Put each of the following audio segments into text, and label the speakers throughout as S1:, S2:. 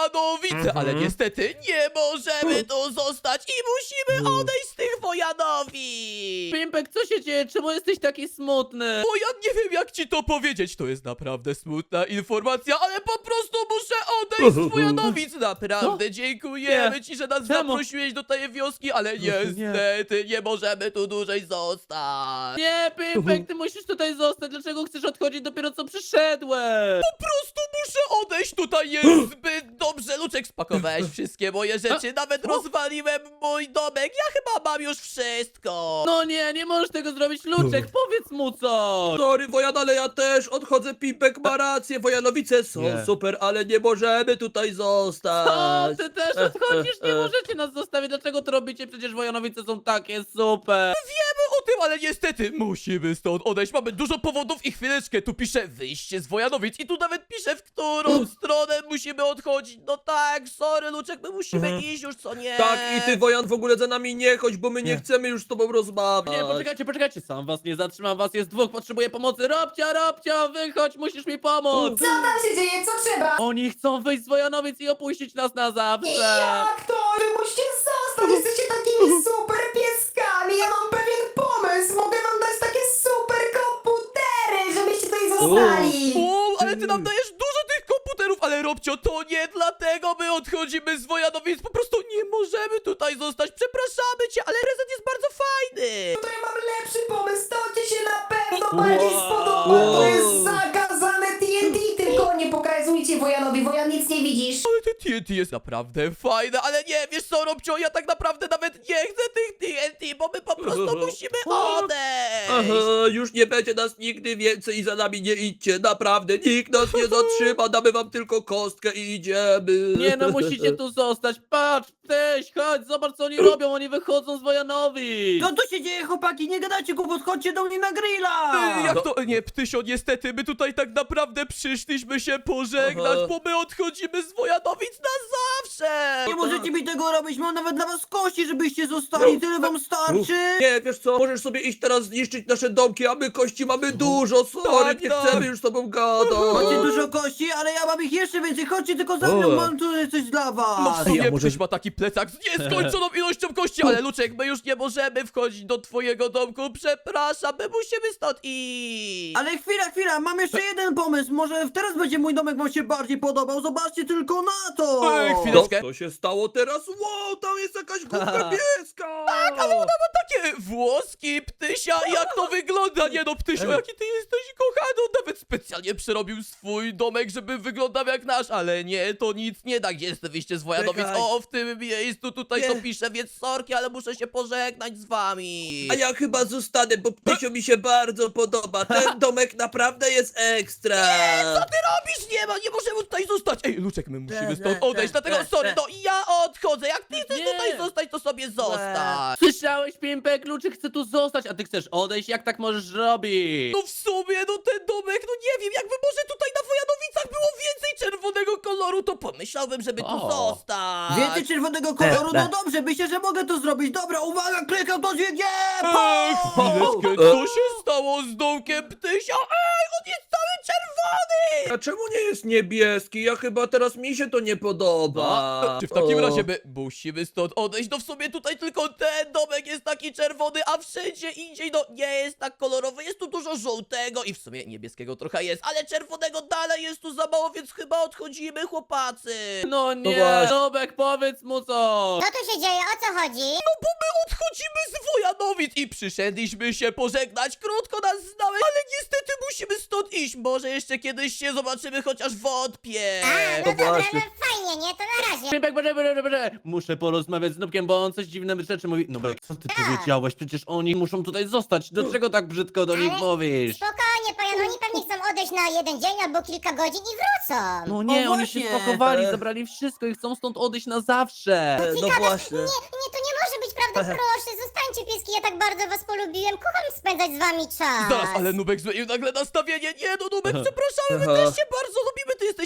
S1: Wojanowice, ale niestety nie możemy tu zostać i musimy odejść z tych Wojanowic.
S2: Pimpek, co się dzieje? Czemu jesteś taki smutny?
S1: Bo ja nie wiem, jak ci to powiedzieć. To jest naprawdę smutna informacja, ale po prostu muszę odejść z Wojanowic. Naprawdę dziękujemy ci, że nas
S2: Czemu?
S1: zaprosiłeś do tej wioski, ale niestety nie możemy tu dłużej zostać.
S2: Nie, Pimpek, ty musisz tutaj zostać. Dlaczego chcesz odchodzić dopiero co przyszedłem?
S1: Po prostu muszę odejść, tutaj jest zbyt dobrze. Luczek, spakowałeś wszystkie moje rzeczy, nawet rozwaliłem mój domek. Ja chyba mam już wszystko.
S2: No nie możesz tego zrobić, Luczek, powiedz mu coś.
S3: Sorry, Wojan, ale ja też odchodzę, Pimpek ma rację, Wojanowice są
S2: Nie.
S3: super, ale nie możemy tutaj
S2: O,
S3: zostać.
S2: ty też odchodzisz, nie możecie nas zostawić. Dlaczego to robicie? Przecież Wojanowice są takie super.
S1: Wiemy o tym, ale niestety musimy stąd odejść. Mamy dużo powodów i chwileczkę. Tu pisze wyjście z Wojanowic i tu nawet pisze, w którą stronę musimy odchodzić. No tak, sorry, Luczek, my musimy iść już, co nie?
S3: Tak, i ty, Wojan, w ogóle za nami nie chodź, bo my nie chcemy już z tobą rozmawiać.
S2: Nie, poczekajcie, sam was nie zatrzymam, was jest dwóch, potrzebuję pomocy. Robcia, wychodź, musisz mi pomóc.
S4: Co tam się dzieje? Co trzeba?
S2: Oni chcą wyjść z Wojanowic i opuścić nas na zawsze.
S4: Jak to? Wy musicie zostać! Jesteście takimi super pieskami! Ja mam pewien pomysł! Mogę wam dać takie super komputery, żebyście tutaj zostali!
S1: O, ale ty nam dajesz dużo tych komputerów, ale Robcio, to nie dlatego my odchodzimy z Wojanowic. Po prostu nie możemy tutaj zostać. Przepraszamy cię, ale prezent jest bardzo fajny.
S4: To ja mam lepszy pomysł, to ci się na pewno bardziej spodoba! To jest zakazane TNT, tylko nie pokazujcie Wojanowi, Wojan nic nie widzisz!
S1: Ale te TNT jest naprawdę fajne, ale nie, wiesz co, Robcio, ja tak naprawdę nawet nie chcę tych TNT, bo my po prostu musimy odejść.
S3: Aha, już nie będzie nas nigdy więcej i za nami nie idźcie, naprawdę, nikt nas nie zatrzyma, damy wam tylko kostkę i idziemy.
S2: Nie no, musicie tu zostać. Patrz, Tyś, chodź, zobacz co oni robią, oni wychodzą z Wojanowic.
S5: Co tu się dzieje, chłopaki? Nie gadajcie głupot, chodźcie do mnie na grilla!
S1: Jak to? Nie, Ptysio, niestety, my tutaj tak naprawdę przyszliśmy się pożegnać,
S3: Aha.
S1: bo my odchodzimy z Wojanowic na zawsze!
S5: Nie możecie mi tego robić, mam nawet dla was kości, żebyście zostali, tyle wam starczy!
S3: Nie, wiesz co, możesz sobie iść teraz zniszczyć nasze domki, a my kości mamy dużo, sorry,
S1: Tak,
S3: nie
S1: tak.
S3: chcemy już z tobą gadać.
S5: Macie dużo kości, ale ja mam ich jeszcze więcej, chodźcie tylko za mną, mam tu coś dla
S1: No w
S5: was!
S1: sumie
S3: może-
S1: Ptyś ma taki plecak z nieskończoną ilością kości, ale Luczek, my już nie możemy wchodzić do twojego domku, przepraszam, my musimy stąd iść!
S5: Ale chwila, mam jeszcze jeden pomysł, może teraz będzie mój domek wam się bardziej podobał, zobaczcie tylko na to!
S1: Ej, chwileczkę.
S3: Co się stało teraz? Wow, tam jest jakaś głupka pieska! Tak,
S1: Ale ona ma takie włoski, Ptysia, jak to wygląda? Nie no, Ptysio, jaki ty jesteś kochany, on nawet specjalnie przerobił swój domek, żeby wyglądał jak nasz, ale nie, to nic nie da, gdzie jest to wyjście z Wojanowic?
S3: Czekaj.
S1: O, w tym miejscu, tutaj to
S3: Nie.
S1: pisze, więc sorki, ale muszę się pożegnać z wami.
S3: A ja chyba zostanę, bo Ptysio mi się bardzo podoba. Ten domek naprawdę jest ekstra.
S1: Co ty robisz? Nie możemy tutaj zostać. Ej, Luczek, my musimy stąd odejść, dlatego
S5: te.
S1: sorry, no ja odchodzę. Jak ty chcesz
S2: Nie.
S1: tutaj zostać, to sobie zostań.
S2: Słyszałeś, Pimpek? Luczek chce tu zostać, a ty chcesz odejść? Jak tak możesz robić?
S1: No w sumie, no ten domek, no nie wiem, jakby może tutaj na Wojanowicach było więcej czerwonego koloru, to pomyślałem, żeby tu
S2: O.
S1: zostać.
S5: Więcej czerwonego koloru, no dobrze, myślę, że mogę to zrobić, dobra, uwaga, klikam to dźwignię!
S1: Chwileczkę, co się stało z domkiem Ptysia? Ej, on jest cały czerwony!
S3: A czemu nie jest niebieski? Ja chyba teraz mi się to nie podoba.
S1: Czy w takim
S3: O.
S1: razie my musimy stąd odejść? No w sumie tutaj tylko ten domek jest taki czerwony, a wszędzie indziej no nie jest tak kolorowy. Jest tu dużo żółtego i w sumie niebieskiego trochę jest, ale czerwonego dalej jest tu za mało, więc chyba odchodzimy, chłopacy.
S2: No nie,
S3: właśnie.
S2: Nubek, powiedz mu coś.
S6: Co tu się dzieje? O co chodzi?
S1: No bo my odchodzimy z Wojanowic i przyszedliśmy się pożegnać. Krótko nas znałeś, ale niestety musimy stąd iść. Może jeszcze kiedyś się zobaczymy, chociaż wątpię.
S6: A, no
S3: to
S6: dobra,
S3: właśnie.
S6: no fajnie, nie? To na razie.
S2: Pimpek, muszę porozmawiać z Nubkiem, bo on coś dziwne rzeczy mówi. Nubek, co ty powiedziałeś? Przecież oni muszą tutaj zostać. Dlaczego tak brzydko do nich
S6: Ale
S2: mówisz?
S6: Spokojnie, Pojan, oni pewnie chcą odejść na jeden dzień albo kilka godzin i wrócą.
S2: No nie,
S5: O,
S2: oni się
S5: właśnie.
S2: spakowali, zabrali wszystko i chcą stąd odejść na zawsze.
S3: No właśnie.
S6: Nie, to nie może być prawda, proszę, zostańcie pieski, ja tak bardzo was polubiłem, kocham spędzać z wami czas.
S1: Zaraz, ale Nubek zmienił nagle nastawienie. Nie no, Nubek, przepraszamy, my
S3: Aha.
S1: też się bardzo lubimy. Ty jesteś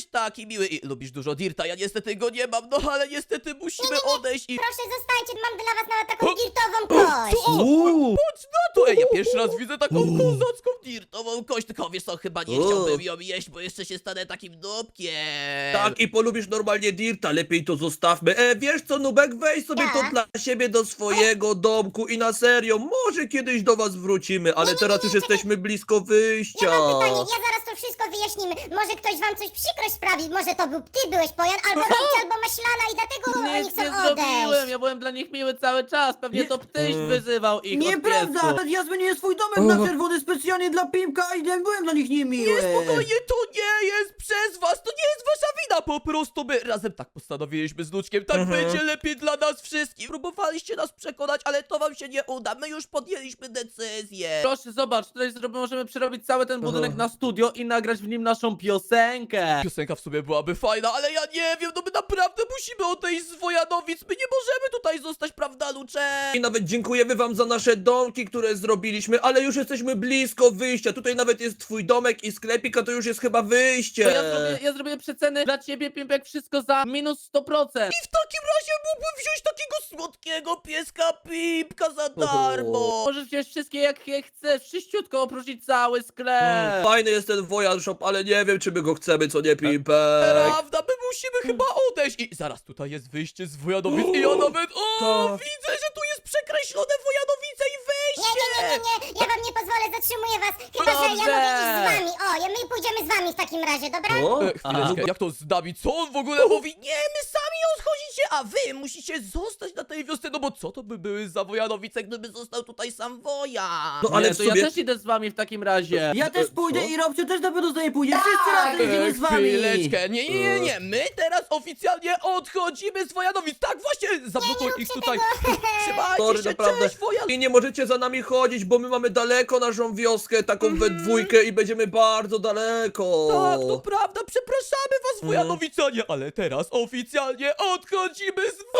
S1: taki miły i lubisz dużo dirta. Ja niestety go nie mam, no ale niestety musimy odejść i...
S6: Proszę, zostańcie, mam dla was nawet taką dirtową kość.
S1: Patrz na to! Ej, ja pierwszy raz widzę taką kozacką dirtową kość, tylko wiesz co, chyba nie chciałbym ją jeść, bo jeszcze się stanę takim dupkiem.
S3: Tak, i polubisz normalnie dirta, lepiej to zostawmy. Wiesz co, Nubek, weź sobie to
S6: Tak.
S3: dla siebie do swojego domku i na serio, może kiedyś do was wrócimy, ale teraz już jesteśmy blisko wyjścia.
S6: Ja mam pytanie, ja zaraz to wszystko wyjaśnimy. Może ktoś wam coś przykrość sprawi, może to był ty byłeś Pojan, albo Rejcie, albo Maślana i dlatego oni
S2: Nic
S6: chcą
S2: nie zrobiłem,
S6: odejść.
S2: ja byłem dla nich miły cały czas, pewnie to ptyś wyzywał ich od
S5: Nieprawda!
S2: piesów.
S5: Ja zmieniłem swój domek na czerwony specjalnie dla Pimka i nie byłem dla nich niemiły.
S1: Nie, spokojnie, to nie jest przez was, to nie jest wasza wina, po prostu my razem tak postanowiliśmy z Luczkiem, tak będzie lepiej dla nas wszystkich. Próbowaliście nas przekonać, ale to wam się nie uda, my już podjęliśmy decyzję.
S2: Proszę, zobacz, tutaj możemy przerobić cały ten budynek na studio i nagrać w nim naszą piosenkę.
S1: Piosenka w sobie byłaby fajna, ale ja nie wiem, no my naprawdę musimy odejść z Wojanowic, my nie możemy tutaj zostać, prawda, Luczek?
S3: I nawet dziękujemy wam za nasze domki, które zrobiliśmy, ale już jesteśmy blisko wyjścia. Tutaj nawet jest twój domek i sklepik, a to już jest chyba wyjście.
S2: To ja zrobię przeceny dla ciebie, Pimpek, wszystko za minus 100%.
S1: I w takim razie mógłbym wziąć takiego słodkiego pieska Pipka za darmo.
S2: Możesz wziąć wszystkie jakie chcesz, wszyściutko oprócz cały sklep.
S3: Fajny jest ten Wojan Shop, ale nie wiem, czy my go chcemy, co nie, Pimpek.
S1: Prawda, my musimy chyba odejść. I zaraz tutaj jest wyjście z Wojanowic i ja nawet, widzę, że tu jest przekreślone Wojanowice i wejście.
S6: Nie, ja wam nie pozwolę, zatrzymuję was. Chyba, że ja mogę iść z wami. O, my pójdziemy z wami w takim razie, dobra?
S1: Chwileczkę, jak to z nami? Co on w ogóle mówi? Nie, my sami odchodzicie, a wy musicie zostać na tej wiosce, no bo co to by były za Wojanowice, gdyby został tutaj sam Wojan?
S3: No
S2: Ale
S3: ale
S2: to
S3: w sumie...
S2: ja też idę z wami w takim razie.
S5: Ja też pójdę i Robcio też na pewno z nami pójdzie. Wszyscy razem idziemy z wami.
S1: Chwileczkę, nie, my teraz oficjalnie odchodzimy z Wojanowic, tak właśnie, zablokuj ich tutaj. Trzymajcie
S3: Sorry,
S1: się,
S3: naprawdę.
S1: cześć, Wojan.
S3: I nie możecie za nami chodzić, bo my mamy daleko naszą wioskę, taką we dwójkę i będziemy bardzo daleko.
S1: Tak, to prawda, przepraszamy was, Wojanowicanie, ale teraz oficjalnie odchodzimy z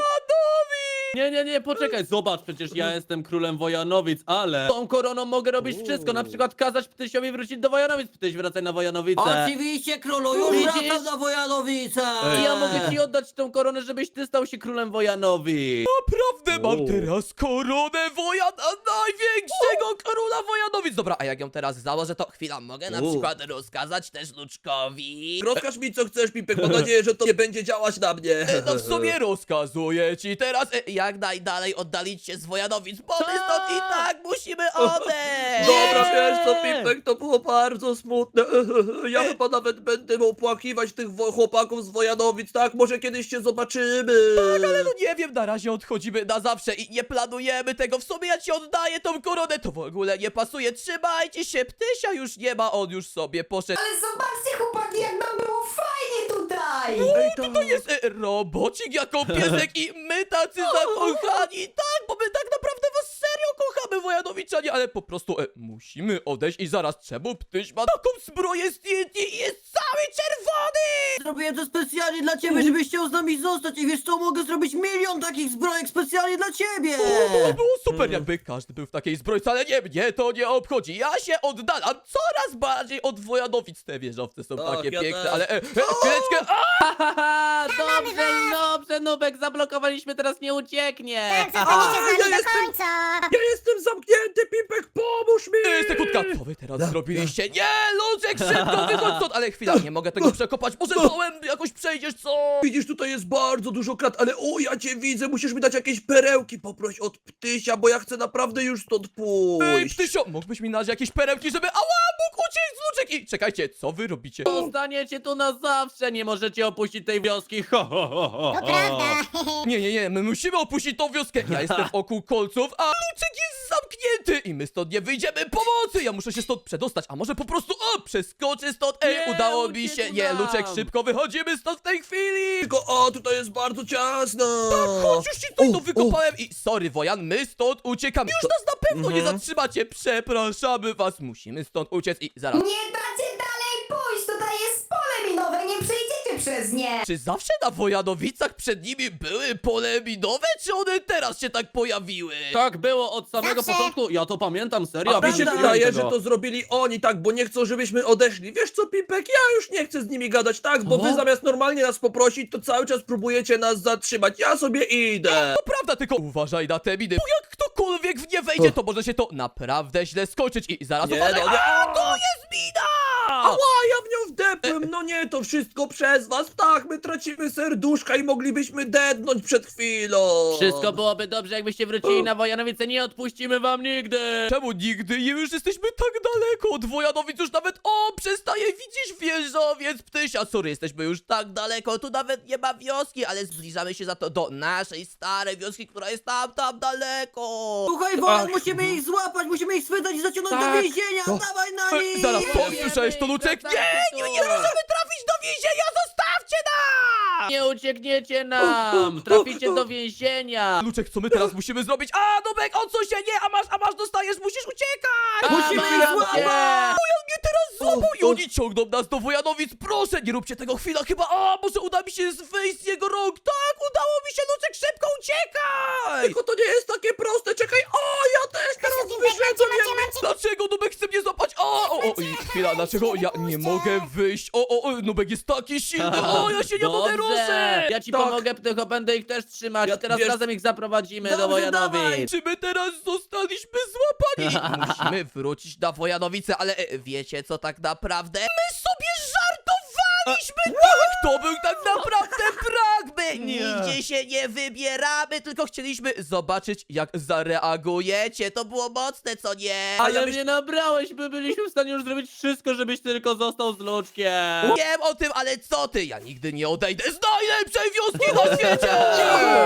S1: Wojanowic!
S2: Nie, poczekaj, zobacz, przecież ja jestem królem Wojanowic, ale tą koroną mogę robić wszystko, na przykład kazać Ptysiowi wrócić do Wojanowic. Ptyś, wracaj na Wojanowice.
S5: Oczywiście, królu, już
S2: Widzisz?
S5: wracam na Wojanowice.
S2: I ja mogę ci oddać tą koronę, żebyś ty stał się królem Wojanowic.
S1: Naprawdę mam teraz koronę Wojana, największego króla Wojanowic. Dobra, a jak ją teraz założę, to chwila, mogę na przykład rozkazać też Luczkowi.
S3: Rozkaż mi co chcesz, Pipek, mam nadzieję, że to nie będzie działać na mnie.
S1: No w sumie rozkazuję ci teraz jak najdalej oddalić się z Wojanowic, bo my stąd i tak musimy odejść.
S3: Dobra, wiesz co, Pipek, to było bardzo smutne. Ja chyba nawet będę opłakiwać tych chłopaków z Wojanowic, tak? Może kiedyś się zobaczymy.
S1: Ale no nie wiem, na razie odchodzimy na zawsze i nie planujemy tego. W sumie ja ci oddaję tą koronę, to w ogóle nie pasuje. Trzymajcie się, Ptysia już nie ma, on już sobie poszedł.
S4: Ale zobaczcie, chłopaki, jak nam było fajnie tutaj!
S1: To jest robocik jako piesek i my tacy zakochani. Tak, bo my tak naprawdę was serio kochamy, Wojanowiczanie, ale po prostu musimy odejść i zaraz czemu Ptyś ma taką zbroję z TNT i jest cały czerwony?
S5: Zrobiłem to specjalnie dla ciebie, żebyś chciał z nami zostać i wiesz co, mogę zrobić 1 000 000 takich zbrojek specjalnie dla ciebie.
S1: To było super, jakby każdy był w takiej zbrojce, ale nie, mnie to nie obchodzi. Ja się oddalam coraz bardziej od Wojanowic. Te wieżowce są
S3: Tak,
S1: takie
S3: ja
S1: piękne,
S3: też.
S1: ale chwileczkę,
S2: Haha, dobrze, Nubek, zablokowaliśmy, teraz nie ucieknie.
S6: Tak, zostaniecie z nami do
S3: jestem-
S6: końca.
S3: Ja jestem zamknięty, Pipek, pomóż mi!
S1: sekundka, co wy teraz zrobiliście? Nie, Luczek, szybko wychodź stąd, ale chwila, nie mogę tego przekopać, może dołem jakoś przejdziesz, co?
S3: Widzisz, tutaj jest bardzo dużo krat, ale o, ja cię widzę, musisz mi dać jakieś perełki, poproś od Ptysia, bo ja chcę naprawdę już stąd
S1: Ej,
S3: pójść.
S1: Ptysio, mógłbyś mi dać jakieś perełki, żeby... Ała, mógł uciec, Luczek! I czekajcie, co wy robicie?
S2: Zostaniecie tu na zawsze, nie możecie opuścić tej wioski.
S6: To prawda.
S1: Nie, my musimy opuścić tą wioskę. Ja jestem wokół kolców, a Luczek jest zamknięty i my stąd nie wyjdziemy pomocy. Ja muszę się stąd przedostać, a może po prostu, przeskoczę stąd.
S2: Nie,
S1: Udało mi
S2: uciekł
S1: się. Nie,
S2: nam.
S1: Luczek, szybko wychodzimy stąd w tej chwili.
S3: Tylko, o, tutaj jest bardzo ciasno.
S1: Chodź, już ci tutaj to wykopałem i sorry, Wojan, my stąd uciekamy. Już nas na pewno nie zatrzymacie. Przepraszamy was, musimy stąd uciec i zaraz.
S4: Nie dacie dalej pójść, tutaj jest pole minowe, nie przejdziecie przez przez nie.
S1: Czy zawsze na Wojanowicach przed nimi były pole minowe, czy one teraz się tak pojawiły?
S2: Tak było od samego
S6: Zawsze.
S2: początku, ja to pamiętam, serio.
S3: A mi się
S5: Prawda.
S3: wydaje, że to zrobili oni, tak, bo nie chcą, żebyśmy odeszli. Wiesz co, Pipek, ja już nie chcę z nimi gadać, tak, bo
S1: Co?
S3: wy zamiast normalnie nas poprosić, to cały czas próbujecie nas zatrzymać. Ja sobie idę.
S1: To prawda, tylko uważaj na te miny, bo jak ktokolwiek w nie wejdzie, to może się to naprawdę źle skończyć i zaraz
S3: Nie,
S1: uważaj.
S3: no nie.
S1: A, to jest mina!
S3: Ała, ja w nią wdepłem, no nie, to wszystko przez was, tak, my tracimy serduszka i moglibyśmy dednąć przed chwilą.
S2: Wszystko byłoby dobrze, jakbyście wrócili na Wojanowice, nie odpuścimy wam nigdy.
S1: Czemu nigdy? Już jesteśmy tak daleko od Wojanowic, już nawet, przestaje widzieć wieżowiec Ptysia. Sorry, jesteśmy już tak daleko, tu nawet nie ma wioski, ale zbliżamy się za to do naszej starej wioski, która jest tam daleko.
S5: Słuchaj, Wojan, musimy ich złapać, musimy ich schwytać i zaciągnąć do
S3: Tak.
S5: więzienia! Dawaj na nich!
S1: Zaraz, słyszałeś to, Luczek? Nie możemy trafić do więzienia, zostawcie nas!
S2: Nie uciekniecie nam, traficie do więzienia.
S1: Luczek, co my teraz musimy zrobić? Nubek, odsuń się, nie, a masz, dostajesz, musisz uciekać!
S5: Musimy ich
S2: Mam
S5: złapać!
S2: cię.
S1: Wojan mnie teraz złapał i oni ciągną nas do Wojanowic, proszę, nie róbcie tego, chwila, chyba, może uda mi się wyjść z jego rąk, tak, udało mi się, Luczek, szybko uciekaj!
S3: Tylko to nie jest takie proste, czekaj, ja też teraz wyszedłem,
S6: Macie.
S1: Dlaczego Nubek chce mnie złapać? Chwila, dlaczego ja nie mogę wyjść? Nubek jest taki silny, ja się nie mogę
S2: Dobrze.
S1: ruszyć!
S2: Ja ci
S3: Tak.
S2: pomogę, tylko będę ich też trzymać.
S3: Ja-
S2: Teraz
S3: wiesz-
S2: razem ich zaprowadzimy do
S5: Dobrze, dawaj.
S2: Wojanowic.
S1: Czy my teraz zostaliśmy złapani? Musimy wrócić na Wojanowice, ale wiecie co tak naprawdę? My sobie żartowaliśmy! Tak, to był tak naprawdę prank! My nigdzie się nie wybieramy, tylko chcieliśmy zobaczyć jak zareagujecie. To było mocne, co nie?
S2: Ale mnie nabrałeś, my byliśmy w stanie już zrobić wszystko, żebyś tylko został z Luczkiem.
S1: Wiem o tym, ale co ty? Ja nigdy nie odejdę z najlepszej wioski na świecie!